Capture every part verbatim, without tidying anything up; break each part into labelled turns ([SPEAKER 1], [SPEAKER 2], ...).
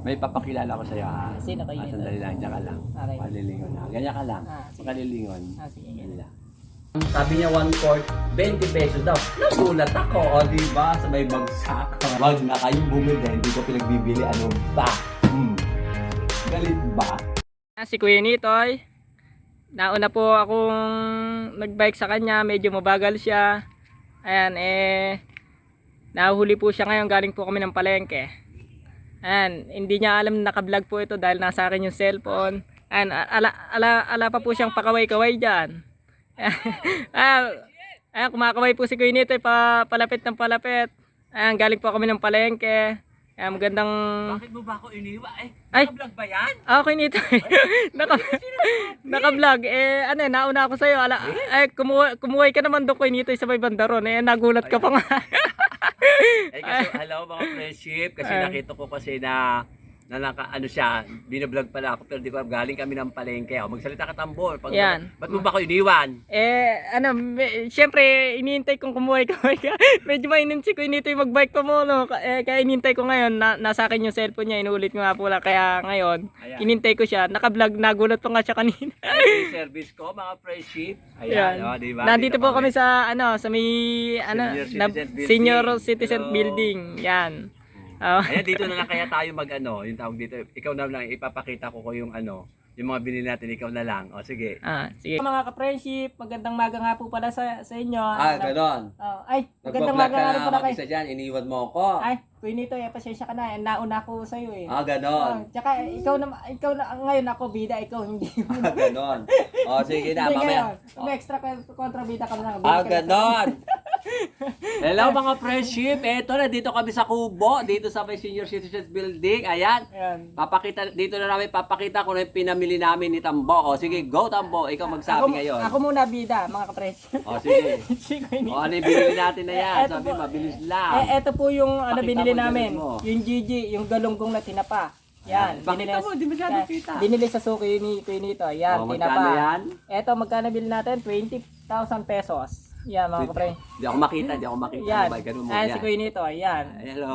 [SPEAKER 1] May papakilala ko sa'yo ha.
[SPEAKER 2] Sino kayo
[SPEAKER 1] Ah,
[SPEAKER 2] nito?
[SPEAKER 1] sandali lang, diyan ka lang.
[SPEAKER 2] Okay.
[SPEAKER 1] Palilingon na. Ganyan ka lang.
[SPEAKER 2] Ah, sige.
[SPEAKER 1] Pagkalilingon.
[SPEAKER 2] Ah, sige.
[SPEAKER 1] Ganyan lang. Sabi niya one quart, twenty pesos daw. Nagulat ako, o diba? Sa may bagsak. Wag na kayong bumili, hindi ko pinagbibili. Ano ba? Hmm. Galit ba?
[SPEAKER 2] Ah, si Kuya Nitoy. Nauna po akong nagbike sa kanya, medyo mabagal siya. Ayan, eh nahuli po siya ngayon, galing po kami ng palengke. Ayan, hindi niya alam na naka-vlog po ito dahil nasa akin yung cellphone. Ayan, ala, ala, ala pa po siyang pakaway-kaway dyan. Ayan, ayan, kumakaway po si Kuya Nitoy, pa, palapit ng palapit. Ayan, galing po kami ng palengke. Ayan, magandang...
[SPEAKER 1] Bakit mo ba ako iniwa? Eh,
[SPEAKER 2] Ay!
[SPEAKER 1] naka-vlog ba yan?
[SPEAKER 2] Ah, okay nito. Naka naka-vlog. Eh ano, eh, nauna ako sa iyo. Ala, ay kumuha kumuhay ka naman doon kay nito sa may bandaron. Eh nagulat ka pa nga.
[SPEAKER 1] Eh kasi hello mga friendship, kasi
[SPEAKER 2] Ay.
[SPEAKER 1] nakita ko kasi na na naka, ano siya, binablog pala ako pero di ba galing kami ng palengke. O, magsalita ka tambol. Pag,
[SPEAKER 2] Yan.
[SPEAKER 1] Ba't mo ba ako iniwan?
[SPEAKER 2] Eh ano, me, syempre iniintay kong kumuhay ka. Medyo mainit si Kuya nito mag-bike pa mo no. Eh kaya inintay ko ngayon, na, nasa akin yung cellphone niya, inulit ko nga po lang. Kaya ngayon,
[SPEAKER 1] Ayan.
[SPEAKER 2] inintay ko siya. Naka-vlog, nagulat pa nga siya kanina.
[SPEAKER 1] Ay, service ko mga friendship. Ayan,
[SPEAKER 2] Yan.
[SPEAKER 1] o, di ba?
[SPEAKER 2] Nandito
[SPEAKER 1] Dito
[SPEAKER 2] po kami sa ano, sa may ano,
[SPEAKER 1] Senior
[SPEAKER 2] na-
[SPEAKER 1] Citizen Building.
[SPEAKER 2] Senior Citizen
[SPEAKER 1] Hello.
[SPEAKER 2] Building. Yan. Oh.
[SPEAKER 1] Ayan, dito na lang kaya tayo mag ano, yung tawag dito. Ikaw na lang, ipapakita ko ko yung ano, yung mga binili natin, ikaw na lang. O, sige.
[SPEAKER 2] Ah, sige. Mga ka-friendship, magandang maga nga po pala sa, sa inyo.
[SPEAKER 3] Ah, ganon.
[SPEAKER 2] Oh, ay, magandang
[SPEAKER 3] Nagpa-vlog
[SPEAKER 2] maga nga
[SPEAKER 3] ka
[SPEAKER 2] rin pala
[SPEAKER 3] na
[SPEAKER 2] kay.
[SPEAKER 3] mag-isa dyan, iniwan mo ako.
[SPEAKER 2] Ay, Kuya Nito, eh, pasensya ka na. Eh, nauna ko sa iyo eh.
[SPEAKER 3] Ah,
[SPEAKER 2] Oh,
[SPEAKER 3] ganon.
[SPEAKER 2] tsaka ikaw na ikaw na ngayon ako bida, ikaw hindi.
[SPEAKER 3] Ah, ganon. O, sige na,
[SPEAKER 2] Hindi
[SPEAKER 3] mamaya.
[SPEAKER 2] ngayon. May extra kon- kontrabida ka na.
[SPEAKER 3] Ah, ganon.
[SPEAKER 1] Hello mga friendship, eto na, dito kami sa Kubo, dito sa may Senior Citizens Building. Ayan.
[SPEAKER 2] Ayan.
[SPEAKER 1] Papakita, dito na namin papakita ko na yung pinamili namin ni Tambo. O sige, go Tambo, ikaw magsabi
[SPEAKER 2] Ako,
[SPEAKER 1] ngayon.
[SPEAKER 2] ako muna bida, mga ka-friendship.
[SPEAKER 1] O sige.
[SPEAKER 2] Si Kuya Nito.
[SPEAKER 1] O ano yung binili natin na yan?
[SPEAKER 2] Eto
[SPEAKER 1] Sabi,
[SPEAKER 2] po.
[SPEAKER 1] mabilis lang.
[SPEAKER 2] Eh, eto po yung ano
[SPEAKER 1] Pakita
[SPEAKER 2] binili
[SPEAKER 1] mo,
[SPEAKER 2] namin.
[SPEAKER 1] galing mo.
[SPEAKER 2] Yung G G, yung galunggong na tinapa. Yan.
[SPEAKER 1] Pakita
[SPEAKER 2] binili-
[SPEAKER 1] mo, di masyado
[SPEAKER 2] yan.
[SPEAKER 1] kita.
[SPEAKER 2] Binili sa suki ni Kuya Nito. Yan,
[SPEAKER 1] O,
[SPEAKER 2] tinapa.
[SPEAKER 1] magkano yan?
[SPEAKER 2] Eto, magkano bili natin? twenty thousand pesos. Yan, mga kapre.
[SPEAKER 1] Hindi ako makita, hindi ako makita.
[SPEAKER 2] Yan.
[SPEAKER 1] Ano ba? Ganun mo
[SPEAKER 2] Ayan,
[SPEAKER 1] yan.
[SPEAKER 2] si Kuya Nito. Yan.
[SPEAKER 1] Hello.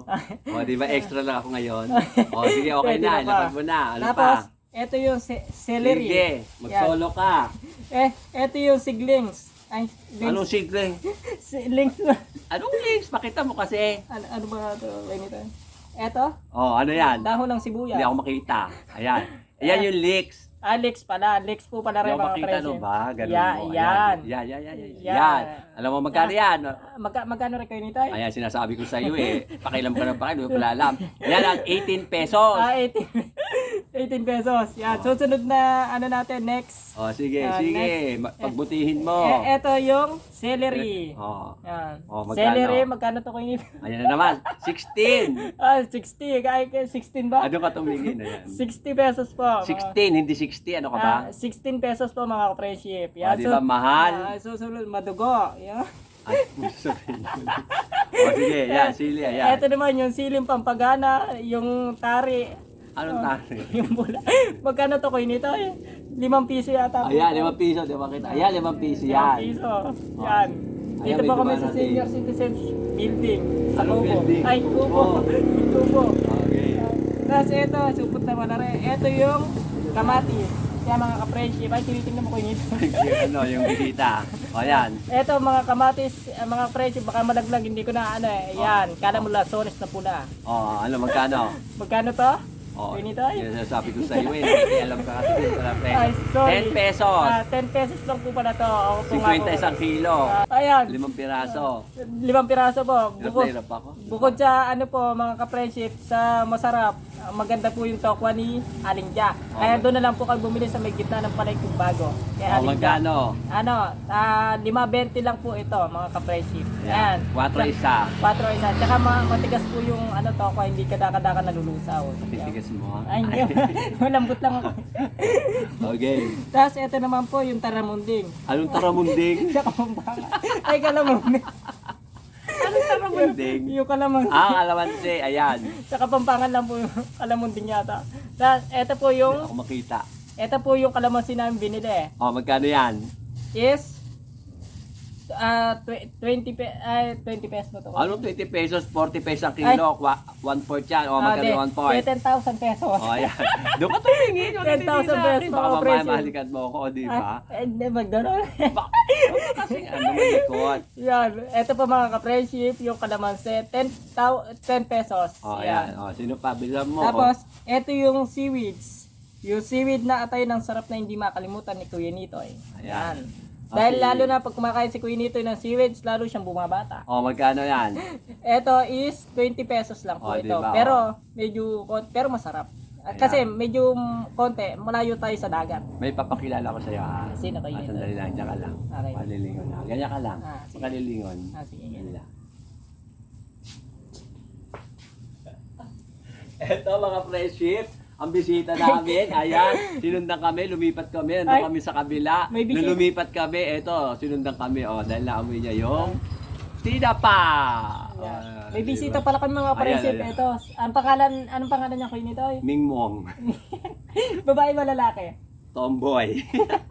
[SPEAKER 1] O, di ba extra lang ako ngayon? O, sige, okay
[SPEAKER 2] Pwede
[SPEAKER 1] na.
[SPEAKER 2] na pa.
[SPEAKER 1] Ilapag mo na. Ano
[SPEAKER 2] Tapos,
[SPEAKER 1] pa?
[SPEAKER 2] eto yung ce- celery.
[SPEAKER 1] Sige, mag-solo ka.
[SPEAKER 2] Eh, eto yung siglings. Ay,
[SPEAKER 1] Anong
[SPEAKER 2] links.
[SPEAKER 1] sigle?
[SPEAKER 2] Siglings.
[SPEAKER 1] Anong links? Pakita mo kasi.
[SPEAKER 2] ano, ano ba ito, Kuya Nito? Eto,
[SPEAKER 1] Oh, ano yan?
[SPEAKER 2] dahon ng
[SPEAKER 1] Hindi
[SPEAKER 2] sibuyas.
[SPEAKER 1] ako makita. Ayan. Ayan yung leaks.
[SPEAKER 2] Alex pala. Alex po pala
[SPEAKER 1] Hindi
[SPEAKER 2] rin
[SPEAKER 1] ako
[SPEAKER 2] mga
[SPEAKER 1] makita no
[SPEAKER 2] presyo.
[SPEAKER 1] ba? Ganun
[SPEAKER 2] Ya-
[SPEAKER 1] mo.
[SPEAKER 2] yan.
[SPEAKER 1] Yan, yan, yan, yan.
[SPEAKER 2] Yan.
[SPEAKER 1] Yan. Alam mo magkano yan?
[SPEAKER 2] Magka, magkano rin kayo nito?
[SPEAKER 1] Ayan, sinasabi ko sa iyo eh. Pakialam ka na pakialam, wala alam. Ayan ang eighteen pesos.
[SPEAKER 2] Ah, eighteen. eighteen pesos. Yan. Susunod na ano natin next.
[SPEAKER 1] Oh, sige,
[SPEAKER 2] Ah,
[SPEAKER 1] sige. Ma- Pagbutihin mo.
[SPEAKER 2] Eh, eto yung celery.
[SPEAKER 1] Oh.
[SPEAKER 2] Yan.
[SPEAKER 1] Oh, magkano?
[SPEAKER 2] Celery, magkano to kayo nito?
[SPEAKER 1] Ayan na naman. sixteen.
[SPEAKER 2] Ah, sixty. Kaya kaya sixteen ba?
[SPEAKER 1] Ano ka tumingin? Ayan.
[SPEAKER 2] sixty pesos po. mga-
[SPEAKER 1] sixteen, hindi sixty. Ano ka ba?
[SPEAKER 2] Ah, sixteen pesos po mga ka-friendship.
[SPEAKER 1] Oh, di ba mahal?
[SPEAKER 2] Ah, susunod, madugo. Yan.
[SPEAKER 1] Ay, sabihin mo. Oh, sige, yan, sili, ayan.
[SPEAKER 2] Eto naman yung siling pampagana, yung tari.
[SPEAKER 1] Anong tari?
[SPEAKER 2] Yung bula. Magkano to kayo nito? Eh? Limang piso yata. po
[SPEAKER 1] Ayan,
[SPEAKER 2] ito.
[SPEAKER 1] limang piso, di ba kita? Ayan, limang piso
[SPEAKER 2] Limang
[SPEAKER 1] yan.
[SPEAKER 2] piso. Yan.
[SPEAKER 1] Ayan,
[SPEAKER 2] Dito
[SPEAKER 1] may
[SPEAKER 2] po kami
[SPEAKER 1] dumaan
[SPEAKER 2] sa
[SPEAKER 1] natin.
[SPEAKER 2] Senior Citizen Building. Sa
[SPEAKER 1] Anong
[SPEAKER 2] Kubo.
[SPEAKER 1] building?
[SPEAKER 2] Ay,
[SPEAKER 1] Kubo.
[SPEAKER 2] Kubo. Kubo.
[SPEAKER 1] Okay.
[SPEAKER 2] Tapos ito, supot naman na rin. Ito yung kamatis. Kaya mga ka-friendship, ay tinitingnan mo ko nito.
[SPEAKER 1] Yung ano, yung bisita. O, yan.
[SPEAKER 2] Ito mga kamatis, eh, mga friendship, baka malaglag, hindi ko na ano eh. Yan, kala mo lasones na pula.
[SPEAKER 1] O, ano, magkano?
[SPEAKER 2] Magkano to?
[SPEAKER 1] O,
[SPEAKER 2] Yun ito,
[SPEAKER 1] yun ang sabi ko sa iyo eh. Hindi alam ka kasi dito pala pre.
[SPEAKER 2] Ay, sorry.
[SPEAKER 1] ten pesos.
[SPEAKER 2] Ah, ten pesos lang po pala to. Ako po nga
[SPEAKER 1] fifty
[SPEAKER 2] po.
[SPEAKER 1] isang kilo.
[SPEAKER 2] Ah, ayan.
[SPEAKER 1] Limang piraso.
[SPEAKER 2] Limang piraso po.
[SPEAKER 1] Hirap na
[SPEAKER 2] Bukod,
[SPEAKER 1] hirap ako.
[SPEAKER 2] bukod sa ano po mga ka-friendship, sa masarap, ah, maganda po yung tokwa ni Alingja. Kaya
[SPEAKER 1] Okay.
[SPEAKER 2] doon na lang po kayo bumili sa may gitna ng palengkong bago. Kaya
[SPEAKER 1] O, magkano?
[SPEAKER 2] Ano, ah, lima bente lang po ito mga ka-friendship. Ayan.
[SPEAKER 1] Quattro isa.
[SPEAKER 2] Quattro isa. Tsaka ma- matigas po yung ano tokwa, hindi kadaka-daka nalulusaw.
[SPEAKER 1] Titigas mo ha?
[SPEAKER 2] Ay, hindi. Malambot lang ako.
[SPEAKER 1] Okay.
[SPEAKER 2] Tapos ito naman po yung taramunding.
[SPEAKER 1] Anong taramunding?
[SPEAKER 2] Sa Kapampangan. Ay, kalamunding.
[SPEAKER 1] Anong taramunding?
[SPEAKER 2] Yung kalamunding.
[SPEAKER 1] Ah, alamansi. Ayan.
[SPEAKER 2] Sa Kapampangan lang po yung kalamunding yata. Tapos ito po
[SPEAKER 1] Hindi
[SPEAKER 2] yung,
[SPEAKER 1] ako makita.
[SPEAKER 2] ito po yung kalamansi namin binili.
[SPEAKER 1] O, magkano yan?
[SPEAKER 2] Is ah, tw- twenty pe ay twenty pesos mo to.
[SPEAKER 3] Ano twenty pesos, forty pesos ang kilo, Wa- one fourth yan. O,
[SPEAKER 2] Ah,
[SPEAKER 3] magkano
[SPEAKER 2] di,
[SPEAKER 3] one fourth?
[SPEAKER 2] ten thousand pesos.
[SPEAKER 3] O, ayan. Doon ka tumingin. Huwag ka
[SPEAKER 2] ten thousand
[SPEAKER 3] titigil sa akin.
[SPEAKER 2] pesos,
[SPEAKER 3] Baka
[SPEAKER 2] mga
[SPEAKER 3] mamaya
[SPEAKER 2] presyo.
[SPEAKER 3] mahalikan mo ako, di ba?
[SPEAKER 2] Ay, hindi, McDonald's.
[SPEAKER 3] Bak- Kasi ano, malikot.
[SPEAKER 2] Yan, eto pa mga ka-friendship, yung kalamansi, ten, tau- ten pesos.
[SPEAKER 3] O, ayan. O, sino pa? Bilang mo.
[SPEAKER 2] Tapos, eto yung seaweeds. Yung seaweed na atay ng sarap na hindi makalimutan ni Kuya Nitoy.
[SPEAKER 3] Ayan.
[SPEAKER 2] Dahil
[SPEAKER 3] Okay.
[SPEAKER 2] lalo na pag kumakain si Kuya Nitoy ng seaweeds, lalo siyang bumabata.
[SPEAKER 3] O, magkano yan?
[SPEAKER 2] Eto is twenty pesos lang po
[SPEAKER 3] Oh,
[SPEAKER 2] ito.
[SPEAKER 3] diba?
[SPEAKER 2] Pero medyo kon- pero masarap. At
[SPEAKER 3] Ayan.
[SPEAKER 2] kasi medyo mm, konti, malayo tayo sa dagat.
[SPEAKER 3] May papakilala ko sa'yo, ha?
[SPEAKER 2] Sino kayo
[SPEAKER 3] Ah,
[SPEAKER 2] nito?
[SPEAKER 3] sandali lang, dyan ka lang.
[SPEAKER 2] Okay.
[SPEAKER 3] Palilingon na. Ganyan ka lang.
[SPEAKER 2] Ah, sige.
[SPEAKER 3] Palilingon.
[SPEAKER 2] Ah, sige.
[SPEAKER 3] Ganyan lang. Eto mga friendship, ang bisita namin, ayan, sinundan kami, lumipat kami, nandun
[SPEAKER 2] Ay,
[SPEAKER 3] kami sa kabila.
[SPEAKER 2] may bisita.
[SPEAKER 3] Nung lumipat kami, eto, sinundan kami, oh, dahil naamoy niya yung tinapa. Ah,
[SPEAKER 2] May
[SPEAKER 3] diba?
[SPEAKER 2] bisita pala kami mga
[SPEAKER 3] Ayan,
[SPEAKER 2] friendship.
[SPEAKER 3] ayan.
[SPEAKER 2] Ito, ang pangalan, anong pangalan niya Kuya Nitoy?
[SPEAKER 3] Mingmong,
[SPEAKER 2] Babae ba lalaki?
[SPEAKER 3] tomboy.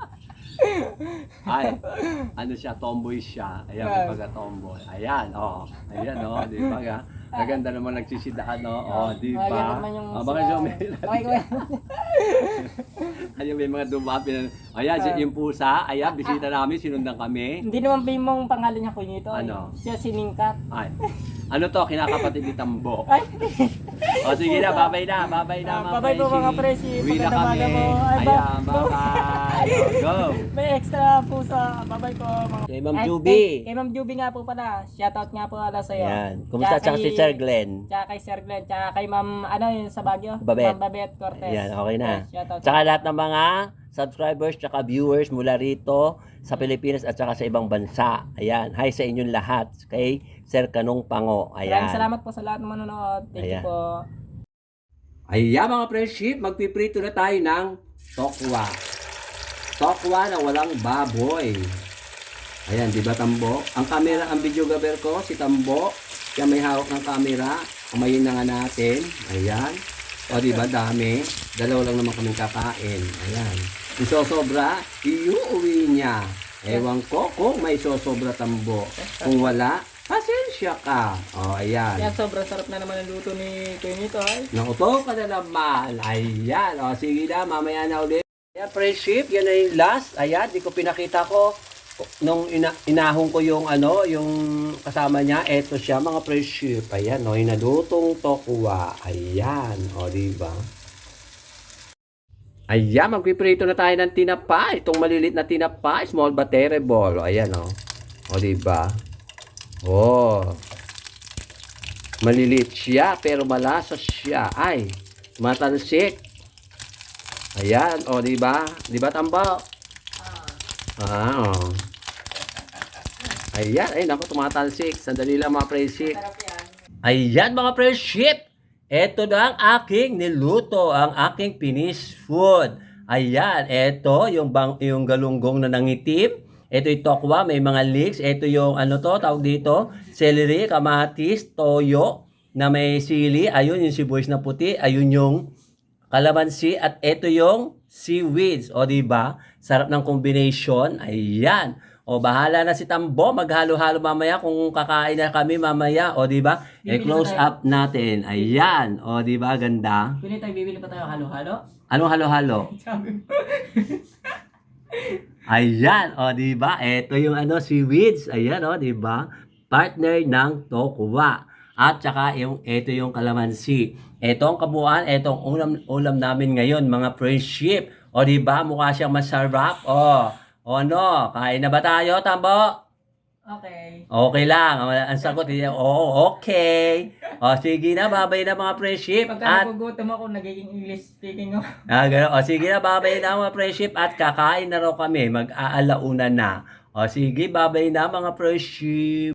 [SPEAKER 3] Ay, ano siya, tomboy siya. Ayan, may
[SPEAKER 2] Ah.
[SPEAKER 3] pagka-tomboy. Ayan, oh. Ayan, oh, di ba ga? Maganda naman nagsisidahan, no? Oh, di
[SPEAKER 2] Ah, yan
[SPEAKER 3] ba?
[SPEAKER 2] naman yung
[SPEAKER 3] Oh, baka
[SPEAKER 2] sila-
[SPEAKER 3] siya may...
[SPEAKER 2] Okay, kuya.
[SPEAKER 3] Ayan, may mga dumapi na... Ayan, si yung pusa. Ayan, bisita namin, sinundan kami.
[SPEAKER 2] Hindi naman ba yung pangalan niya Kuya Nitoy?
[SPEAKER 3] Ano?
[SPEAKER 2] Siya si Ningkat.
[SPEAKER 3] Ay. Ano to, kinakapatid ni Tambo.
[SPEAKER 2] Ay,
[SPEAKER 3] O sige na, babay na, babay na
[SPEAKER 2] Ah,
[SPEAKER 3] mga
[SPEAKER 2] babay po,
[SPEAKER 3] presi.
[SPEAKER 2] mga presi.
[SPEAKER 3] Uwi na
[SPEAKER 2] Magandang
[SPEAKER 3] kami.
[SPEAKER 2] umaga po. Ay, ba-
[SPEAKER 3] Ayan, bye-bye. O, go.
[SPEAKER 2] may extra po sa babay ko mga
[SPEAKER 3] Kay Ma'am
[SPEAKER 2] Ay,
[SPEAKER 3] Juby.
[SPEAKER 2] Kay, kay Ma'am Juby nga po pala. Shoutout nga po pala sa iyo.
[SPEAKER 3] Ayan. Kumusta tsaka si Sir Glenn?
[SPEAKER 2] Tsaka kay Sir Glenn. Tsaka kay Ma'am, ano yun sa Baguio?
[SPEAKER 3] Babet.
[SPEAKER 2] Ma'am Babet Cortez.
[SPEAKER 3] Ayan, okay na.
[SPEAKER 2] Ayan, shoutout.
[SPEAKER 3] Tsaka lahat ng mga subscribers tsaka viewers mula rito sa Pilipinas at tsaka sa ibang bansa. Ayan. Hi sa inyong lahat. Kay Sir Kanong Pango. Ayan.
[SPEAKER 2] Maraming salamat po sa lahat ng manonood. Thank
[SPEAKER 3] Ayan.
[SPEAKER 2] you po.
[SPEAKER 3] Ayan mga friendship, magpiprito na tayo ng tokwa. Tokwa na walang baboy. Ayan, di ba Tambo? Ang camera, ang videographer ko, si Tambo. Siya may hawak ng camera. Amayin na nga natin. Ayan. O di ba dami? Dalawa lang naman kaming kakain. Ayan. Isosobra, iuuwi niya. Ewan ko kung may sosobra Tambo. Kung wala, pasensya ka. O, ayan.
[SPEAKER 2] Yan, sobrang sarap na naman ang luto ni Kuya Nitoy.
[SPEAKER 3] Nakuto ka na naman. Ayan. O, sige na. Mamaya na ulit. Ayan, friendship. Yan na yung last. Ayan. Di ko pinakita ko. Nung ina inahon ko yung ano, yung kasama niya. Eto siya, mga friendship. Ayan. O, yung nalutong tokwa. Ayan. O, diba? Ayan. Magpiprito na tayo ng tinapa. Itong malilit na tinapa. Small but terrible. O, ayan, o. O, diba? Oh. Maliliit siya pero malasa siya. Ay, matalsik. Ayan, oh, di ba? Di ba Tambo? Ah, oh. Ayan, ay naku, tumatalsik. Sandali lang mga friendship.
[SPEAKER 2] Sarap yan.
[SPEAKER 3] Ayan mga friendship. Ito na ang aking niluto, ang aking finished food. Ayan, ito yung bang yung galunggong na nangitim. Ito yung tokwa, may mga leeks. Ito yung ano to, tawag dito, celery, kamatis, toyo, na may sili. Ayun yung sibuyas na puti. Ayun yung kalamansi. At ito yung seaweeds. O diba? Sarap ng combination. Ayan. O bahala na si Tambo. Maghalo-halo mamaya kung kakain na kami mamaya. O diba? I-close up natin. Ayan. O diba? Ganda.
[SPEAKER 2] Kuya Nitoy, bibili pa tayo halo-halo?
[SPEAKER 3] Anong halo-halo?
[SPEAKER 2] Sabi mo.
[SPEAKER 3] Ayan, o di ba? Ito yung ano seaweeds. Ayan, o di ba? Partner ng tokwa. At saka yung ito yung kalamansi. Ito ang kabuuan, ito ang ulam ulam namin ngayon, mga friendship. O di ba? Mukha siyang masarap. O, o ano, kain na ba tayo, Tambo?
[SPEAKER 2] Okay.
[SPEAKER 3] Okay lang. Ang sagot niya, oo, okay. O sige na, babay na mga friendship.
[SPEAKER 2] Pagka
[SPEAKER 3] At
[SPEAKER 2] nagugutom ako, nagiging English speaking ako.
[SPEAKER 3] Ah, gano'n. O sige na, babay na mga friendship at kakain na raw kami. Mag-aalauna na. O sige, babay na mga friendship.